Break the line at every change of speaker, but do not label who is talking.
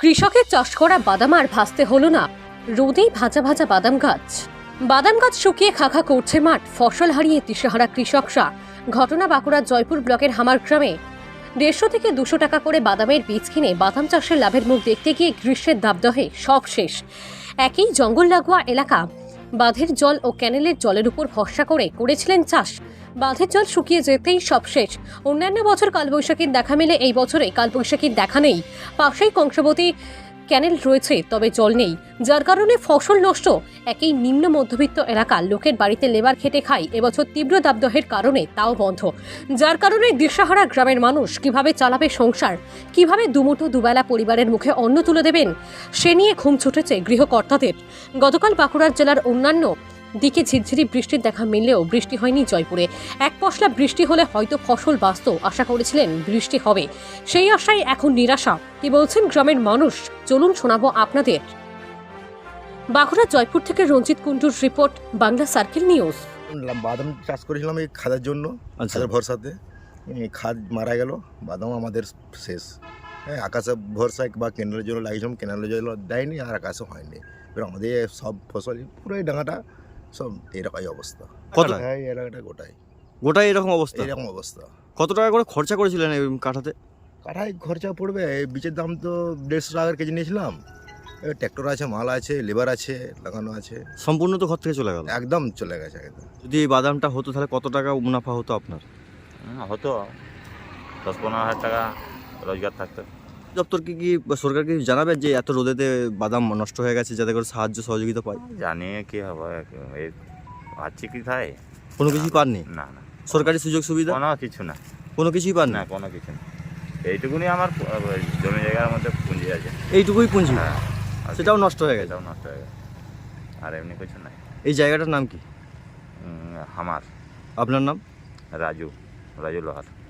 কৃষকের চাষ করা বাদাম আর ভাসতে হলো না, রোদেই ভাজা ভাজা বাদাম গাছ। বাদাম গাছ শুকিয়ে খাখা করছে মাঠ, ফসল হারিয়ে দিশেহারা কৃষকরা। ঘটনা বাঁকুড়ার জয়পুর ব্লকের হামার গ্রামে। 150 থেকে 200 টাকা করে বাদামের বীজ কিনে বাদাম চাষের লাভের মুখ দেখতে গিয়ে গ্রীষ্মের দাবদাহে সব শেষ। একই জঙ্গল লাগোয়া এলাকা, বাঁধের জল ও ক্যানেলের জলের উপর ভরসা করে করেছিলেন চাষ। বাঁধের জল শুকিয়ে যেতেই সব শেষ। অন্যান্য বছর কালবৈশাখীর দেখা মেলে, এই বছরে কালবৈশাখীর দেখা নেই। পাশেই কংসাবতী ক্যানেল রয়েছে, তবে জল নেই, যার কারণে ফসল নষ্ট। একই নিম্ন মধ্যবিত্ত এলাকার লোকের বাড়িতে লেবার খেটে খায়, এবছর তীব্র দাবদাহের কারণে তাও বন্ধ। যার কারণে দিশেহারা গ্রামের মানুষ কিভাবে চালাবে সংসার, কিভাবে দুমুঠো দুবেলা পরিবারের মুখে অন্ন তুলে দেবেন, সে নিয়ে ঘুম ছুটেছে গৃহকর্তাদের। গতকাল বাঁকুড়ার জেলার অন্যান্য দিকে ঝিরঝিরি বৃষ্টির দেখা মিললেও বৃষ্টি হয়নি জয়পুরে। এক পশলা বৃষ্টি হলে হয়তো ফসল বাঁচত, আশা করেছিলেন বৃষ্টি হবে, সেই আশায় এখন নিরাশা। কি বলছেন গ্রামের মানুষ, চলুন শোনাবো আপনাদের। বাঁকুড়া জয়পুর থেকে রঞ্জিত কুণ্ডুর রিপোর্ট, বাংলা সার্কেল নিউজ।
বাদাম চাষ করেছিলাম এই খাদের জন্য, খাদের ভরসাতে। খাদ মারা গেল, বাদাম আমাদের শেষ। হ্যাঁ, আকাশে ভরসা বা কেনালের জন্য লাগিয়েছিলাম, কেনালের জন্য দেয়নি আর আকাশে হয়নি। এবার আমাদের সব ফসল পুরো এই ডাঙাটা সব এরকমই অবস্থা।
কত?
হ্যাঁ, এই এলাকাটা
গোটাই এরকম অবস্থা।
এরকম অবস্থা।
কত টাকা করে খরচা করেছিলেন এই কাঠাতে?
কাঠায় খরচা পড়বে, এই বীজের দাম তো 150 টাকার কেজি নিয়েছিলাম। ট্র্যাক্টর আছে, মাল আছে, লেবার আছে, লাগানো আছে,
সম্পূর্ণ তো ঘর থেকে চলে গেল।
একদম চলে গেছে একদম।
যদি এই বাদামটা হতো তাহলে কত টাকা মুনাফা হতো আপনার?
হতো 10-15 হাজার টাকা রোজগার থাকতো।
দপ্তরকে কি সরকারকে জানাবেন যে এত রোদেতে বাদাম নষ্ট হয়ে গেছে, যাতে করে সাহায্য সহযোগিতা পায়?
জানিয়ে কি হবে, এই পাচ্ছি কি তাই?
কোনো কিছুই পাননি?
না না,
সরকারি সুযোগ সুবিধা
কোনো কিছু না,
কোনো কিছুই পান
না
না?
কোনো কিছু না। এইটুকুনি আমার জমি জায়গার মধ্যে পুঁজি আছে।
এইটুকুই পুঁজি,
হ্যাঁ, আর
সেটাও নষ্ট হয়ে গেছে।
এটাও নষ্ট হয়ে গেছে, আর এমনি কিছু নাই।
এই জায়গাটার নাম কি?
আমার
আপনার নাম?
রাজু লোহার।